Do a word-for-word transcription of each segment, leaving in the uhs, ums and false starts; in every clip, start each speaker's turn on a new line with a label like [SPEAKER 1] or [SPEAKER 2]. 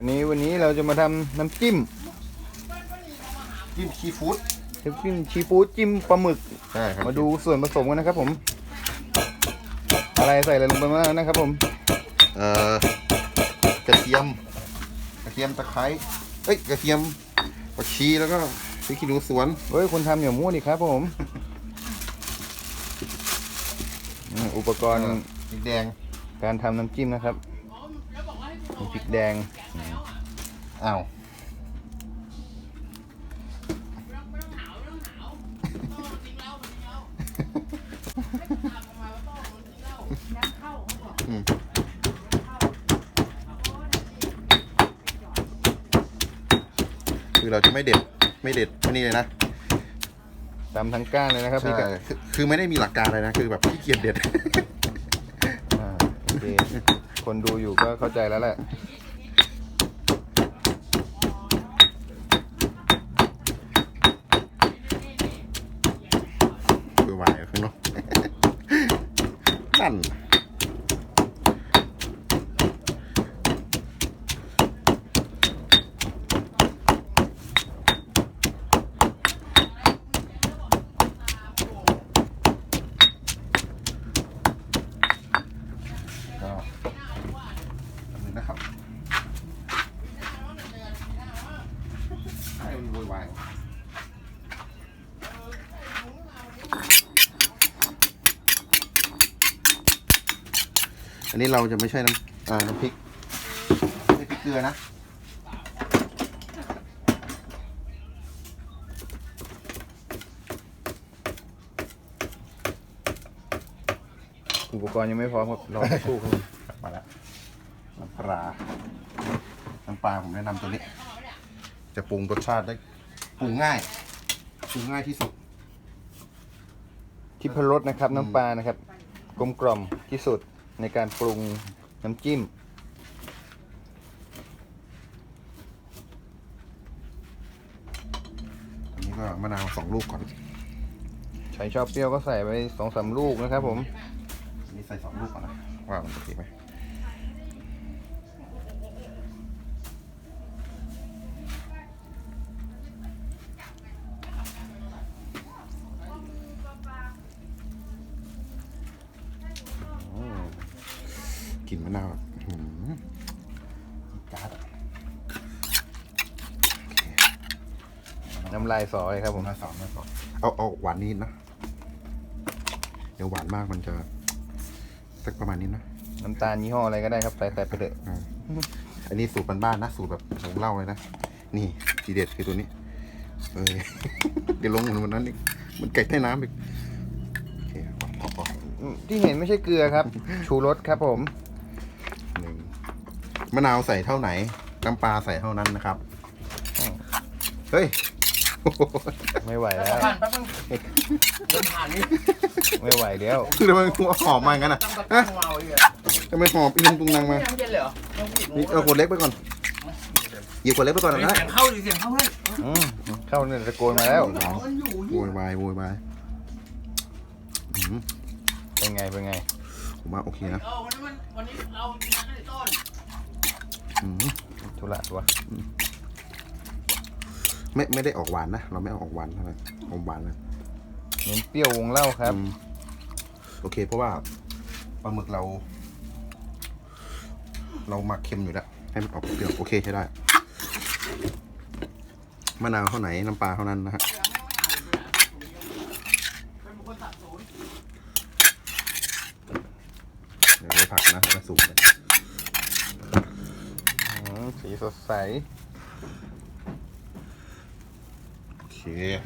[SPEAKER 1] วันนี้วันนี้เราจะมาทำน้ำจิ้ม
[SPEAKER 2] จิ้มซีฟู้ด
[SPEAKER 1] น้ำจิ้มซีฟู้ดจิ้มปลาหมึก
[SPEAKER 2] ใช่ครับ
[SPEAKER 1] มาดูส่วนผสมกันนะครับผมอะไรใส่อะไรลงไปบ้างนะครับผม
[SPEAKER 2] เอ่อกระเทียมกระเทียมตะไคร้เอ้ยกระเทียมผักชีแล้วก็พริกขี้หนูสวน
[SPEAKER 1] เฮ้ยคุณทำอย่ามั่วดิครับผมอุปกรณ์
[SPEAKER 2] พริกแดง
[SPEAKER 1] การทำน้ำจิ้มนะครับพริกแดง
[SPEAKER 2] อ้าวคือเราจะไม่เด็ดไม่เด็ดไม่นี่เลยนะ
[SPEAKER 1] ตำทั้งก้านเลยนะครับ
[SPEAKER 2] ใช่คือคือไม่ได้มีหลักการเลยนะคือแบบขี้เกียจเด็ด
[SPEAKER 1] โอเคคนดูอยู่ก็เข้าใจแล้วแหละ
[SPEAKER 2] เบื่อไหวข้างนอกนั่นนะครับให้มันวุ่นวายอันนี้เราจะไม่ใช่น้ำอ่าน้ำพริกไม่พริกเกลือนะ
[SPEAKER 1] อุปกรณ์ยังไม่พร้อมครับรอสักครู่ครับ
[SPEAKER 2] มาแล้วน้ำปลาน้ำปลาผมแนะนำตัวนี้ จะปรุงรสชาติได้ปรุงง่ายปรุงง่ายที่สุด
[SPEAKER 1] ทิพรสนะครับน้ำปลานะครับกลมกล่อมที่สุดในการปรุงน้ำจิ้ม
[SPEAKER 2] อันนี้ก็มะนาวสองลูกก่อน
[SPEAKER 1] ใครชอบเปรี้ยวก็ใส่ไปสองสามลูกนะครับผม
[SPEAKER 2] อันนี้ใส่สองลูกก่อนนะว่ามันจะดีไหมกลิ่นมะนาวจัด
[SPEAKER 1] น้ำลายสอเลยครับผม
[SPEAKER 2] น้ำลายสอน้ำลายสอเอาเอาหวานนิดนะเดี๋ยวหวานมากมันจะสักประมาณนี้นะ
[SPEAKER 1] น้ำตาลยี่ห้ออะไรก็ได้ครับใส่ใส่ไปเถอะ
[SPEAKER 2] อันนี้สูตรบ้านๆนะสูตรแบบของเล่าเลยนะนี่ทีเด็ดคือตัวนี้เออเดี๋ยวลงเหมือนวันนั้นอีกมันไก่ใต้น้ำอีกโอเคพอพอ
[SPEAKER 1] ที่เห็นไม่ใช่เกลือครับชูรสครับผม
[SPEAKER 2] หนึ่งมะนาวใส่เท่าไหนน้ำปลาใส่เท่านั้นนะครับเฮ้ย
[SPEAKER 1] ไม่ไหวแล้ว
[SPEAKER 3] ผ่านแป๊บนึงเดินผ่านนี่
[SPEAKER 1] ไม่ไหวแล้ว
[SPEAKER 2] คือทำไมหอมมางั้นอ่ะทำไมหอมอีลุงตุงนางมานี่เอาขวดเล็กไปก่อนหยิบขวดเล็กไปก่อนนะ
[SPEAKER 3] เสียงเข้าดิเสียงเข้าเพื่อน
[SPEAKER 1] เข้าเนี่ยตะโกนมาแล้ว
[SPEAKER 2] โวยวายโวยวาย
[SPEAKER 1] เป็นไงเป็นไง
[SPEAKER 2] ผมว่าโอเคนะ
[SPEAKER 3] วันนี้วันนี้เรากินกันในต้น
[SPEAKER 1] ทุระตัว
[SPEAKER 2] ไม่ไม่ได้ออกหวานนะเราไม่เอาออกหวานเท่าไหร่ออกหวานเลย
[SPEAKER 1] เน้นเปรี้ยววงเล่าครับ
[SPEAKER 2] โอเคเพราะว่าปลาหมึกเรา เราหมักเค็มอยู่แล้วให้มันออกเปรี้ยวโอเคใช้ได้มะนาวเท่าไหนน้ำปลาเท่านั้นนะฮะเดี๋ยวไปผักนะจะสูงเลย
[SPEAKER 1] สีสดใส
[SPEAKER 2] โอเค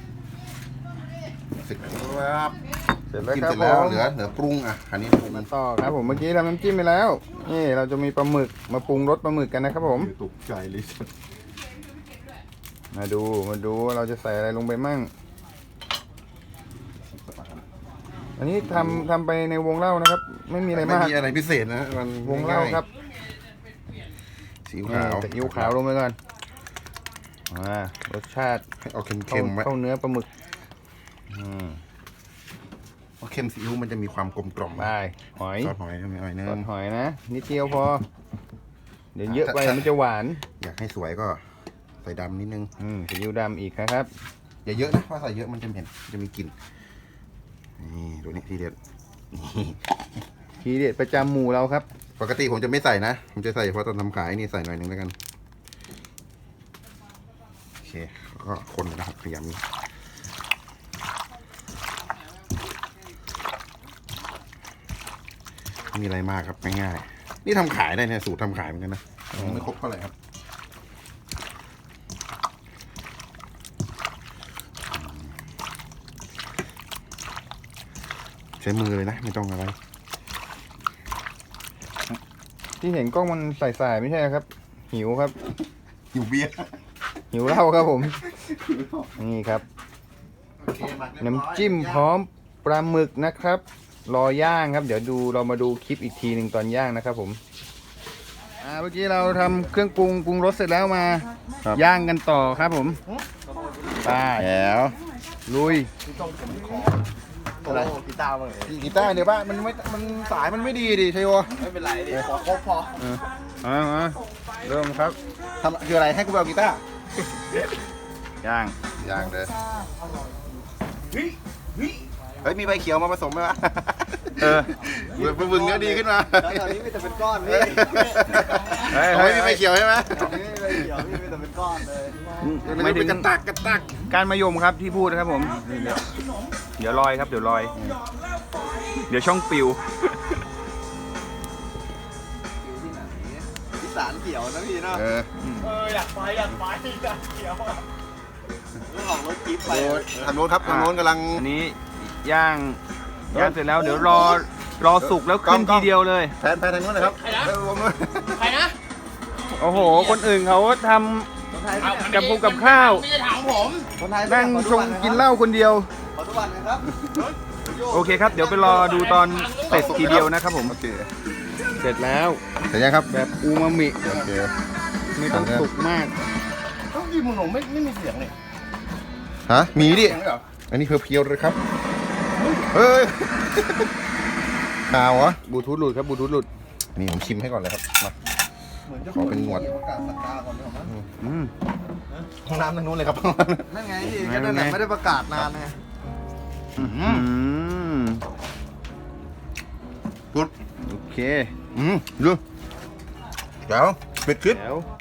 [SPEAKER 2] เสร็จแล้วครับ
[SPEAKER 1] เสร็จแล้ว
[SPEAKER 2] ครับผมเหลือเหลือปรุงอ่ะอันนี้ปรุง
[SPEAKER 1] มาต่อครับผมเมื่อกี้ทำน้ำจิ้มไปแล้วนี่เราจะมีปลาหมึกมาปรุงรสปลาหมึกกันนะครับผม
[SPEAKER 2] ตกใจเลย
[SPEAKER 1] มาดูมาดูเราจะใส่อะไรลงไปมั่งอันนี้ทำทำไปในวงเล่านะครับไม่มีอะไรมาก
[SPEAKER 2] ไม่มีอะไรพิเศษนะมัน
[SPEAKER 1] วงเล่าครับ
[SPEAKER 2] ซีอิ๊วขาว
[SPEAKER 1] ซีอิ๊วขาวลงไปก่อนอ่ารสชาติ
[SPEAKER 2] เอาเค็มๆไว้
[SPEAKER 1] เข้าเนื้อปลาหมึกอืม
[SPEAKER 2] ราะเค็มซีอิ๊วมันจะมีความกลมกล่อม
[SPEAKER 1] ได้หอย
[SPEAKER 2] ซอสหอยมีหอยเนื้อ
[SPEAKER 1] ซอสหอยนะนิดเดียวพอเดี๋ยวเยอะไปมันจะหวาน
[SPEAKER 2] อยากให้สวยก็ใส่ดำนิดนึง
[SPEAKER 1] อืมซีอิ๊วดำอีกนะครับ
[SPEAKER 2] อย่าเยอะนะเพราะใส่เยอะมันจะเหม็นจะมีกลิ่นนี่ดูนี่ทีเด็ดนี่
[SPEAKER 1] ทีเด็ดประจำหมู่เราครับ
[SPEAKER 2] ปกติผมจะไม่ใส่นะ ผมจะใส่เพราะตอนทำขายนี่ใส่หน่อยหนึงแล้วกันโอเคก็คนเลยนะครับพยายามนี้ไม่มีอะไรมากครับง่ายๆนี่ทำขายได้เนี่ยสูตรทำขายเหมือนกันนะไม่ครบเท่าไหร่ครับใช้มือเลยนะไม่ต้องอะไร
[SPEAKER 1] ที่เห็นกล้องมันใสๆไม่ใช่ครับ หิวครับ
[SPEAKER 2] หิวเบียร์
[SPEAKER 1] หิวเหล้าครับผม นี่ครับ น้ำจิ้มพร้อมปลาหมึกนะครับ รอย่างครับ เดี๋ยวดูเรามาดูคลิปอีกทีหนึ่งตอนย่างนะครับผมอ่าเมื่อกี้เราทำเครื่องปรุงปรุงรสเสร็จแล้วมา ย่างกันต่อครับผมไป
[SPEAKER 2] แล้ว
[SPEAKER 1] ลุย
[SPEAKER 3] อะไรกีตาร์มั้ง
[SPEAKER 2] กีตาร์เดี๋ยวบ้านมันไม่มันสายมันไม่ดีดิชัยโย
[SPEAKER 3] ไม่เป็นไรดิขอครบพอ
[SPEAKER 1] เออเอามาเริ่มครับ
[SPEAKER 2] ทำคืออะไรให้กูไปเอากีตาร์
[SPEAKER 1] ย่าง
[SPEAKER 2] ย่างเลยเฮ้ยมีใบเขียวมาผสมไหมวะ
[SPEAKER 1] เออ
[SPEAKER 2] เบื่อบึงเนื้อดีขึ้นมา
[SPEAKER 3] ตอนนี้มีแต่เป็นก้อนพี่
[SPEAKER 1] เฮ้ย
[SPEAKER 2] เอา
[SPEAKER 1] เฮ้
[SPEAKER 2] ไม่
[SPEAKER 1] ย
[SPEAKER 2] มีใบเขียวใช่ไหม
[SPEAKER 3] ตอนนี้ไม่เขียวพี่มีแต่เป็นก้อนเลย
[SPEAKER 1] ไม่ถึ
[SPEAKER 2] เป็น
[SPEAKER 1] ง
[SPEAKER 2] กระตักกระตัก
[SPEAKER 1] การมายมครับที่พูดนะครับผมเดี๋ยวเดี๋ยวลอยครับเดี๋ยวลอย เดี๋ยวช่องปิว
[SPEAKER 3] อีสานเขียวนะพี่เนาะ
[SPEAKER 2] เออ
[SPEAKER 3] เอออยากไปอยากไปอยากเขียวเรื่องของรถจิ๊บไป
[SPEAKER 2] โอ้ทางโน้นครับทางโน้นกำลัง
[SPEAKER 1] อันนี้ย่างย่างเสร็จแล้วเดี๋ยวรอรอสุกแล้วขึ้นทีเดียวเลย
[SPEAKER 2] แพนแพนทางโน้นเลยครับเออผมด้วย
[SPEAKER 3] ใครนะ
[SPEAKER 1] โอ้โห คนอื่นเขาทำกับพุงกับข้าว
[SPEAKER 3] ไม่ใช่ถามผม
[SPEAKER 2] คนไทย
[SPEAKER 1] นั่งชงกินเหล้าคนเดียว
[SPEAKER 3] ขอทุกวันนะครับ
[SPEAKER 1] โอเคครับ เดี๋ยวไปรอดูตอนเสร็จทีเดียวนะครับผม
[SPEAKER 2] โอเค
[SPEAKER 1] เสร็จแล้ว
[SPEAKER 2] เสร็จยังครับ
[SPEAKER 1] แบบอูมามิ
[SPEAKER 2] โอเค
[SPEAKER 1] ไม่ต้องสุกมาก
[SPEAKER 3] ต้องกินมึงหนูไม่ไม่มีเสียงเลย
[SPEAKER 2] ฮะมีดิ
[SPEAKER 3] เสียงเลยเหรอ
[SPEAKER 2] อันนี้เพียวๆเลยครับเฮ้ยข่าวเหรอบ
[SPEAKER 1] ลูทูธหลุดครับบลูทูธหลุด
[SPEAKER 2] นี่ผมชิมให้ก่อนเลยครับมา
[SPEAKER 3] เหมือนจะ
[SPEAKER 2] ขอเป็นหนวด
[SPEAKER 3] ประกาศสักดาก่อนเนอะมั้ง
[SPEAKER 1] อืม
[SPEAKER 2] ห้องน้ำทางโน้นเลยครับ
[SPEAKER 3] นั่นไงที่
[SPEAKER 1] ไง
[SPEAKER 3] ก็นั่นแหละ
[SPEAKER 1] ไง
[SPEAKER 3] ไม่ได้ประกาศนานไง
[SPEAKER 1] อืม
[SPEAKER 2] ปุ๊บ
[SPEAKER 1] โอเค
[SPEAKER 2] อืมดูเดี๋ยวปิดคลิป
[SPEAKER 1] แล้ว